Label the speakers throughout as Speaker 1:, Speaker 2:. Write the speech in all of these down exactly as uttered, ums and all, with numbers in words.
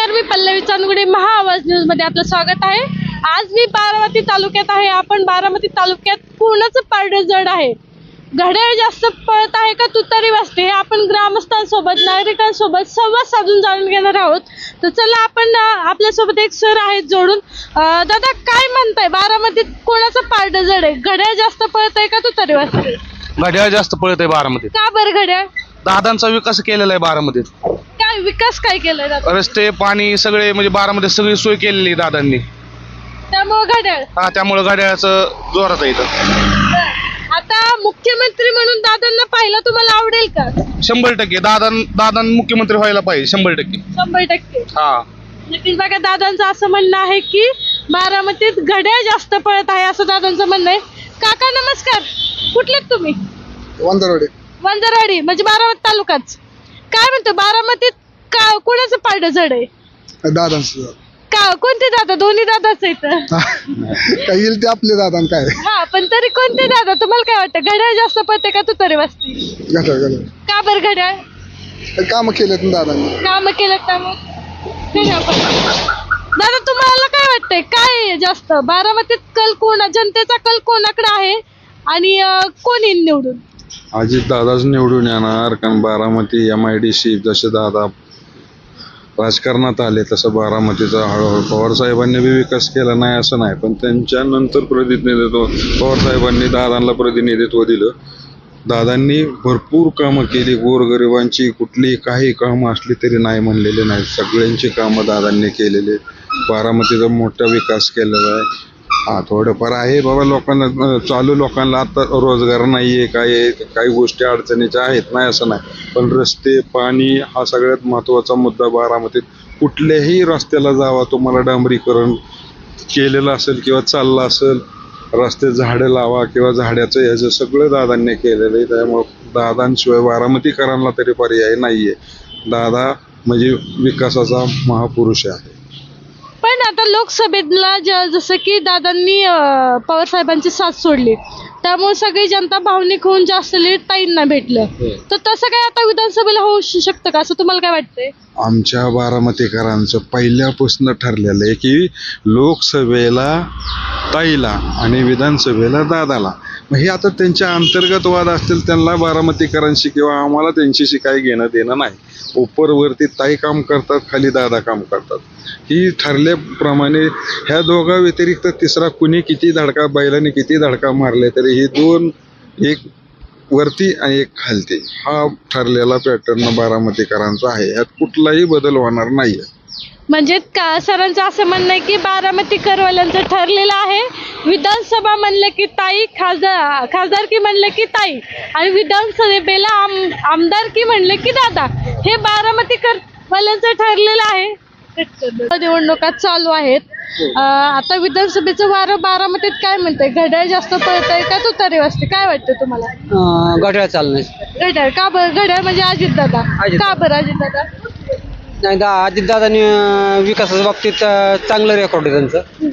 Speaker 1: नमस्कार, मी पल्लवी चांदगुडे, महा आवाज न्यूज मध्ये आपलं स्वागत आहे। आज मी बारामती तालुक्यात आहे। आपण बारामती तालुक्यात कोणाचं पारडं जड आहे, घड्याळ जास्त पळत आहे का तुतारी वाजते, हे आपण ग्रामस्थांसोबत नागरिकांसोबत संवाद साधून जाणून घेणार आहोत। तर चला आपण आपल्यासोबत एक सर आहेत जोडून। दादा, काय म्हणताय, बारामतीत कोणाचं पारडं जड आहे, घड्याळ जास्त पळत आहे का तुतारी वाजते?
Speaker 2: घड्याळ जास्त पळत आहे बारामतीत।
Speaker 1: का बरं? घड्याळ
Speaker 2: दादांचा विकास केलेला आहे बारामतीत।
Speaker 1: काय विकास काय केलाय दादा?
Speaker 2: रस्ते, पाणी सगळे, म्हणजे बारामतीत सगळी सोय केलेली आहे दादांनी,
Speaker 1: त्यामुळे घड्याळ।
Speaker 2: हा, त्यामुळे घड्याळाचं जोरात आहे इथं।
Speaker 1: आता मुख्यमंत्री म्हणून दादांना पाहिलं तुम्हाला आवडेल का?
Speaker 2: शंभर टक्के दादा दादा मुख्यमंत्री व्हायला पाहिजे, शंभर टक्के
Speaker 1: शंभर टक्के
Speaker 2: हा।
Speaker 1: नक्कीच बघा, दादांचं असं म्हणणं आहे की बारामतीत घड्याळ जास्त पळत आहे, असं दादांचं म्हणणं आहे। काका नमस्कार, कुठलेत तुम्ही?
Speaker 3: वंदरवाडी।
Speaker 1: वंजरवाडी म्हणजे बारामती तालुकाच। काय म्हणतो, बारामतीत का कोणाचं पारडं जड आहे?
Speaker 3: दादांचं
Speaker 1: का कोणते दादा? दोन्ही दादाच आहेत।
Speaker 3: काय येईल ते आपले दादा काय
Speaker 1: हा, पण तरी कोणते दादा? तुम्हाला काय वाटतं, घड्याळ जास्त पळते का तुतारी वाजते?
Speaker 3: घड्याळ घड्याळ
Speaker 1: का बरं घड्याळ?
Speaker 3: काम केलेत ना दादांनी,
Speaker 1: काम केलं त्यामुळे घड्याळ पळते। दादा, तुम्हाला काय वाटतंय, काय आहे जास्त बारामतीत कल कोणा, जनतेचा कल कोणाकडे आहे आणि अं, कोण येईल निवडून?
Speaker 4: अजित दादाच निवडून येणार, कारण Baramati M I D C जसे दादा राजकारणात आले तसं बारामतीचा हळूहळू पवार साहेबांनी बी विकास केला नाही असं नाही, पण त्यांच्यानंतर प्रतिनिधित्व पवार साहेबांनी दादांना प्रतिनिधित्व दिलं। दादांनी भरपूर कामं केली, गोरगरिबांची कुठली काही कामं असली तरी नाही म्हणलेले नाही, सगळ्यांची कामं दादांनी केलेली। बारामतीचा मोठा विकास केलेला आहे। हा, थोडंफार आहे बाबा, लोकांना चालू लोकांना आता रोजगार नाही आहे, काय काही गोष्टी अडचणीच्या आहेत, नाही असं नाही, पण रस्ते, पाणी हा सगळ्यात महत्त्वाचा मुद्दा बारामतीत। कुठल्याही रस्त्याला जावा, तुम्हाला डांबरीकरण केलेलं असेल किंवा चाललं असेल, रस्ते झाडं लावा किंवा झाडाचं ह्याचं सगळं दादांनी केलेलं आहे। त्यामुळं दादांशिवाय बारामतीकरांना तरी पर्याय नाही आहे। दादा म्हणजे विकासाचा महापुरुष आहे।
Speaker 1: पण आता लोकसभेला जसं की दादांनी पवार साहेबांची साथ सोडली, त्यामुळे सगळी जनता भावनिक होऊन जास्त लीड ताईंना भेटलं, तर तसं काय आता विधानसभेला होऊ शकतं का, असं तुम्हाला काय वाटतंय?
Speaker 4: आमच्या बारामतीकरांचं पहिल्यापासून ठरलेलं आहे की लोकसभेला ताईला आणि विधानसभेला दादाला। मग हे आता त्यांच्या अंतर्गत वाद असतील, त्यांना बारामतीकरांशी किंवा आम्हाला त्यांच्याशी काही घेणं देणं नाही। उपरवरती ताई काम करतात, खाली दादा काम करतात, ही ठरल्याप्रमाणे ह्या दोघा व्यतिरिक्त तिसरा कुणी किती धडका, बैलाने किती धडका मारले तरी ही दोन, एक वरती आणि एक खालती, हा ठरलेला पॅटर्न बारामतीकरांचा आहे। यात कुठलाही बदल होणार नाहीये।
Speaker 1: म्हणजे का सरांचं असं म्हणणं आहे की बारामती करवाल्यांचं ठरलेलं आहे, विधानसभा म्हणलं की ताई, खासदार खासदारकी म्हणलं की ताई, आणि विधानसभेला आम आमदारकी म्हणलं की दादा, हे बारामती करवाल्यांचं ठरलेलं आहे। निवडणुका चालू आहेत, आता विधानसभेचं वारं बारामतीत काय म्हणतंय, घड्याळ जास्त पळत आहे का तुतारी वाजते, काय वाटतं तुम्हाला?
Speaker 5: घड्याळ चालणार।
Speaker 1: घड्याळ का बरं? घड्याळ म्हणजे अजित दादा, का बरं अजित दादा?
Speaker 5: नाही, दा अजित दादानी विकासाच्या बाबतीत चांगलं रेकॉर्ड आहे त्यांचं।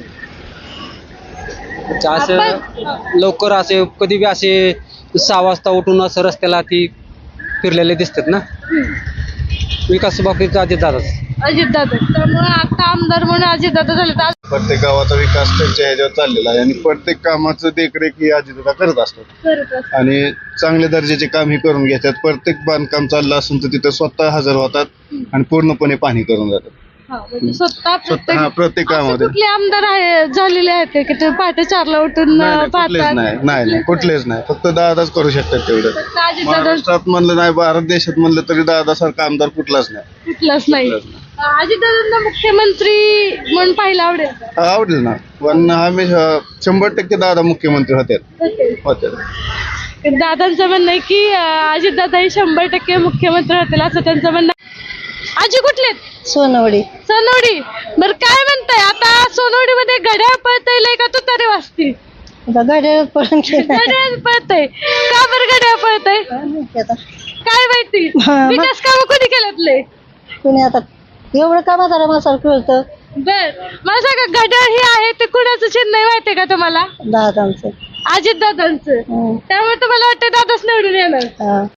Speaker 5: असं लवकर असे कधी बी असे सहा वाजता उठून असं रस्त्याला ती फिरलेले दिसतात ना, विकास बाबतीत अजित दादाच
Speaker 1: अजित दादा, त्यामुळे आता आमदार म्हणून अजित दादा झाले।
Speaker 3: प्रत्येक गावाचा विकास त्यांच्या ह्याच्यावर चाललेला आहे आणि प्रत्येक कामाचं देखरेख ही अजितदादा करत असतात आणि चांगल्या दर्जाचे काम ही करून घेतात। प्रत्येक बांधकाम चाललं असून तर तिथं स्वतः हजर होतात आणि पूर्णपणे पाहणी करून जातात।
Speaker 1: स्वतः
Speaker 3: स्वतः प्रत्येक कामामध्ये
Speaker 1: कुठले आमदार आहे झालेले आहेत का की ते पहाटे चारला उठून
Speaker 3: कुठलेच
Speaker 1: पाहतात?
Speaker 3: नाही, नाही नाही, कुठलेच नाही, फक्त दादाच करू शकतात तेवढं।
Speaker 1: अजित दादा
Speaker 3: महाराष्ट्रात म्हणलं नाही, भारत देशात म्हणलं तरी दादासारखा आमदार कुठलाच नाही,
Speaker 1: कुठलाच नाही। अजित दादांना मुख्यमंत्री म्हणून पाहायला आवडेल का?
Speaker 3: आवडेल ना, पण आम्ही शंभर टक्के दादा मुख्यमंत्री होते होते
Speaker 1: दादांचं म्हणणं आहे की अजित दादा हे शंभर टक्के मुख्यमंत्री होतील, असं त्यांचं म्हणणं आहे। आजी कुठले?
Speaker 6: सोनवडी।
Speaker 1: सोनवडी, बरं काय म्हणताय, आता सोनवडी मध्ये घड्याळ पळतय का तुतारी वाजते?
Speaker 6: घड्याळ पळून
Speaker 1: घड्याळ पळतय का बरं? घड्याळ पळतय काय माहिती, विकास काम कोणी केल्यातले?
Speaker 6: कुणी आता एवढं कामा झालं मला सारखं कळतं।
Speaker 1: बर, मला सांगा, घड्याळ हे आहे ते कुणाचं चिन्ह माहितीये का तुम्हाला?
Speaker 6: दादांचं,
Speaker 1: अजित दादांचं, त्यामुळे तुम्हाला वाटतं दादाच निवडून येणार?